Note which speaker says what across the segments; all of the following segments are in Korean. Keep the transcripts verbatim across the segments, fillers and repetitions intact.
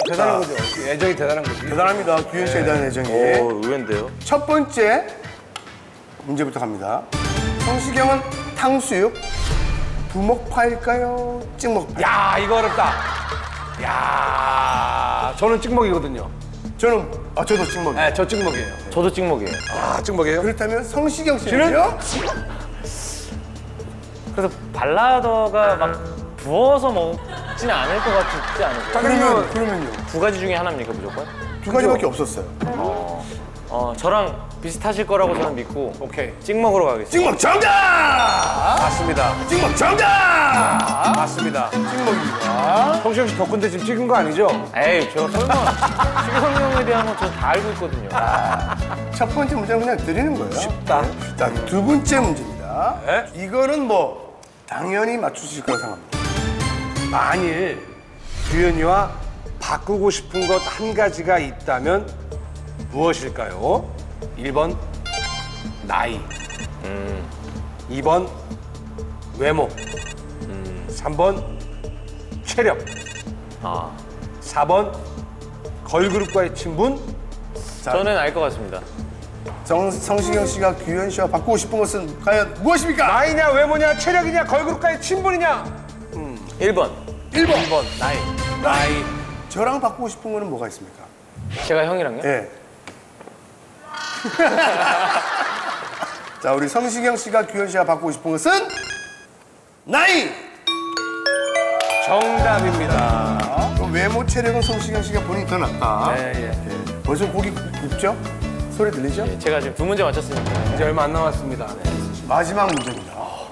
Speaker 1: 대단한 거죠. 애정이 대단한 거지.
Speaker 2: 대단합니다. 규현 씨에 대한 애정이.
Speaker 3: 오, 의외인데요?
Speaker 2: 첫 번째 문제부터 갑니다. 성시경은 탕수육 부먹파일까요? 찍먹파?
Speaker 1: 야, 이거 어렵다. 야, 저는 찍먹이거든요.
Speaker 2: 저는 아 저도 찍먹이에요.
Speaker 1: 네, 저 찍먹이에요.
Speaker 3: 저도 찍먹이에요.
Speaker 1: 아, 찍먹이에요?
Speaker 2: 그렇다면 성시경 씨는요?
Speaker 3: 그래서 발라더가 막 부어서 먹지는 않을 것 같지 않을까요?
Speaker 2: 그러면 그러면요.
Speaker 3: 두 가지 중에 하나입니까, 무조건?
Speaker 2: 두 가지밖에 없었어요.
Speaker 3: 어, 저랑 비슷하실 거라고 저는 믿고
Speaker 1: 오케이.
Speaker 3: 찍먹으로 가겠습니다.
Speaker 2: 찍먹 정답!
Speaker 1: 맞습니다.
Speaker 2: 찍먹 정답!
Speaker 1: 맞습니다.
Speaker 2: 찍먹입니다.
Speaker 1: 성시경 씨 덕분에 지금 찍은 거 아니죠?
Speaker 3: 에이, 저 설마 시경 형에 대한 건 저 다 알고 있거든요.
Speaker 2: 첫 번째 문제는 그냥 드리는 거예요.
Speaker 1: 쉽다.
Speaker 2: 자, 두 번째 문제입니다.
Speaker 1: 네?
Speaker 2: 이거는 뭐 당연히 맞추실 거라고 생각합니다.
Speaker 1: 만일 규현이와 바꾸고 싶은 것 한 가지가 있다면 무엇일까요? 일 번 나이, 이 번 외모, 삼 번 체력,
Speaker 3: 아,
Speaker 1: 사 번 걸그룹과의 친분,
Speaker 3: 저는 알 것 같습니다.
Speaker 2: 정, 성시경 씨가 규현 씨와 바꾸고 싶은 것은 과연 무엇입니까?
Speaker 1: 나이냐 외모냐 체력이냐 걸그룹과의 친분이냐.
Speaker 3: 일 번,
Speaker 2: 일 번.
Speaker 1: 일 번
Speaker 3: 나이.
Speaker 1: 나이.
Speaker 2: 저랑 바꾸고 싶은 거는 뭐가 있습니까?
Speaker 3: 제가 형이랑요?
Speaker 2: 예. 자, 우리 성시경 씨가 규현 씨와 바꾸고 싶은 것은 나이!
Speaker 1: 정답입니다.
Speaker 2: 그럼 외모 체력은 성시경 씨가 본인이 더 낫다.
Speaker 1: 네, 예.
Speaker 2: 예. 벌써 고기 굽죠? 소리 들리죠?
Speaker 3: 예, 제가 지금 두 문제 맞췄으니까.
Speaker 1: 이제 얼마 안 남았습니다.
Speaker 2: 마지막 문제입니다.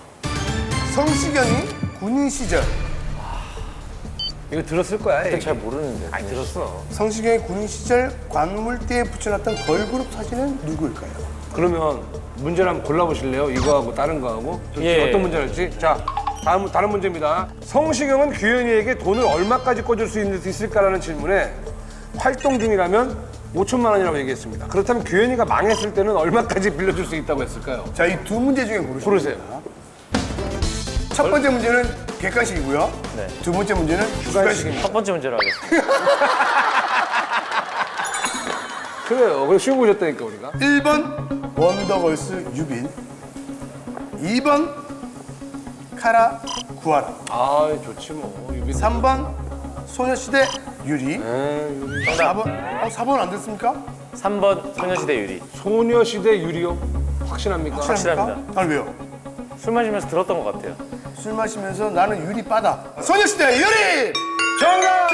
Speaker 2: 성시경이 군인 시절
Speaker 1: 이거 들었을 거야.
Speaker 3: 근데
Speaker 1: 얘기.
Speaker 3: 잘 모르는데.
Speaker 1: 아니 들었어.
Speaker 2: 성시경이 군인 시절 관물대에 붙여놨던 걸그룹 사진은 누구일까요?
Speaker 1: 그러면 문제를 한번 골라보실래요? 이거하고 다른 거하고
Speaker 3: 예.
Speaker 1: 어떤 문제일지. 자, 다음 다른 문제입니다. 성시경은 규현이에게 돈을 얼마까지 꿔줄 수 있- 있을까라는 질문에 활동 중이라면 오천만 원이라고 얘기했습니다. 그렇다면 규현이가 망했을 때는 얼마까지 빌려줄 수 있다고 했을까요?
Speaker 2: 자, 이 두 문제 중에 고르시면
Speaker 1: 고르세요.
Speaker 2: 됩니다. 첫 번째 문제는 객관식이고요.
Speaker 3: 네.
Speaker 2: 두 번째 문제는 주관식입니다.
Speaker 3: 첫 번째 문제로 하겠습니다.
Speaker 1: 그래요. 그래 쉬워 보셨다니까 우리가.
Speaker 2: 일 번 원더걸스 유빈, 이 번 카라 구하라,
Speaker 1: 아 좋지 뭐. 유빈.
Speaker 2: 삼 번 소녀시대 유리,
Speaker 1: 에이, 유리.
Speaker 2: 사 번 어, 사 번 안 됐습니까?
Speaker 3: 삼 번 소녀시대 유리.
Speaker 1: 소녀시대 유리요. 확신합니까?
Speaker 3: 확실합니다.
Speaker 2: 아니 왜요?
Speaker 3: 술 마시면서 들었던 것 같아요.
Speaker 2: 술 마시면서 나는 유리 빠다. 소녀시대 유리!
Speaker 1: 정답!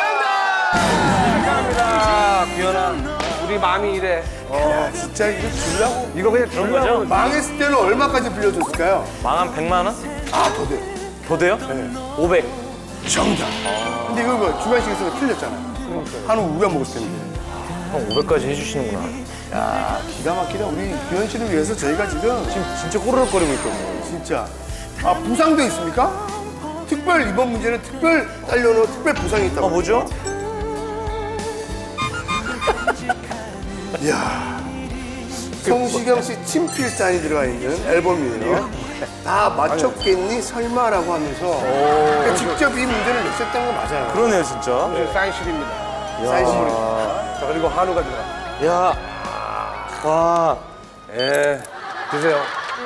Speaker 1: 축하합니다. 규현아. 우리 마음이 이래.
Speaker 2: 야, 진짜 이거 주려고
Speaker 1: 이거 그냥
Speaker 3: 그런
Speaker 1: 주려고.
Speaker 3: 거죠?
Speaker 2: 망했을 때는 얼마까지 빌려줬을까요?
Speaker 3: 망한 백만 원?
Speaker 2: 아, 더 돼요.
Speaker 3: 더 돼요? 오백.
Speaker 2: 정답. 근데 이거 뭐 주관식에서 틀렸잖아요. 한우 우가 먹었을 텐데.
Speaker 3: 형 오백까지 해주시는구나.
Speaker 2: 야, 기가 막히다. 우리 규현 씨를 위해서 저희가 지금
Speaker 3: 지금 진짜 꼬르륵거리고 있거든요.
Speaker 2: 진짜. 아, 부상도 있습니까? 특별 이번 문제는 특별 딸려놓은 특별 부상이 있다고.
Speaker 3: 어, 뭐죠?
Speaker 2: 이야. 성시경 씨 친필 사인이 들어가 있는 앨범이에요. 다 맞췄겠니? 설마라고 하면서 그러니까 직접 이 문제를 냈었던 거 맞아요.
Speaker 3: 그러네요, 진짜.
Speaker 1: 사인실입니다.
Speaker 2: 사인 선물입니다.
Speaker 1: 자, 그리고 한우가 들어가.
Speaker 3: 야. 와.
Speaker 1: 예. 드세요.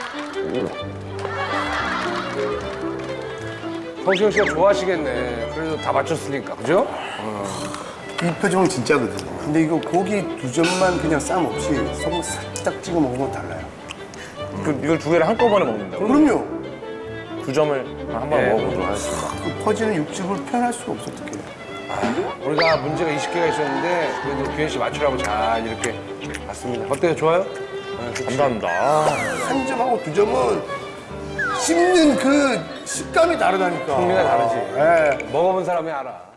Speaker 1: 성시경 씨가 좋아하시겠네. 그래도 다 맞췄으니까, 그죠?
Speaker 2: 이 표정은 진짜거든요. 근데 이거 고기 두 점만 그냥 쌈 없이 소금 살짝 찍어 먹으면 달라요.
Speaker 3: 그, 이걸 두 개를 한꺼번에 먹는다고?
Speaker 2: 그럼요.
Speaker 3: 두 점을 한번
Speaker 1: 네.
Speaker 3: 먹어보도록 하겠습니다.
Speaker 2: 그 퍼지는 육즙을 표현할 수가 없어, 어떡해.
Speaker 1: 우리가 문제가 스무 개가 있었는데 그래도 규현 씨 맞추라고 잘 이렇게 봤습니다. 어때요? 좋아요? 네, 좋지.
Speaker 3: 감사합니다. 아,
Speaker 2: 한 점하고 두 점은 씹는 그 식감이 다르다니까.
Speaker 1: 풍미가 다르지.
Speaker 2: 예.
Speaker 1: 먹어본 사람이 알아.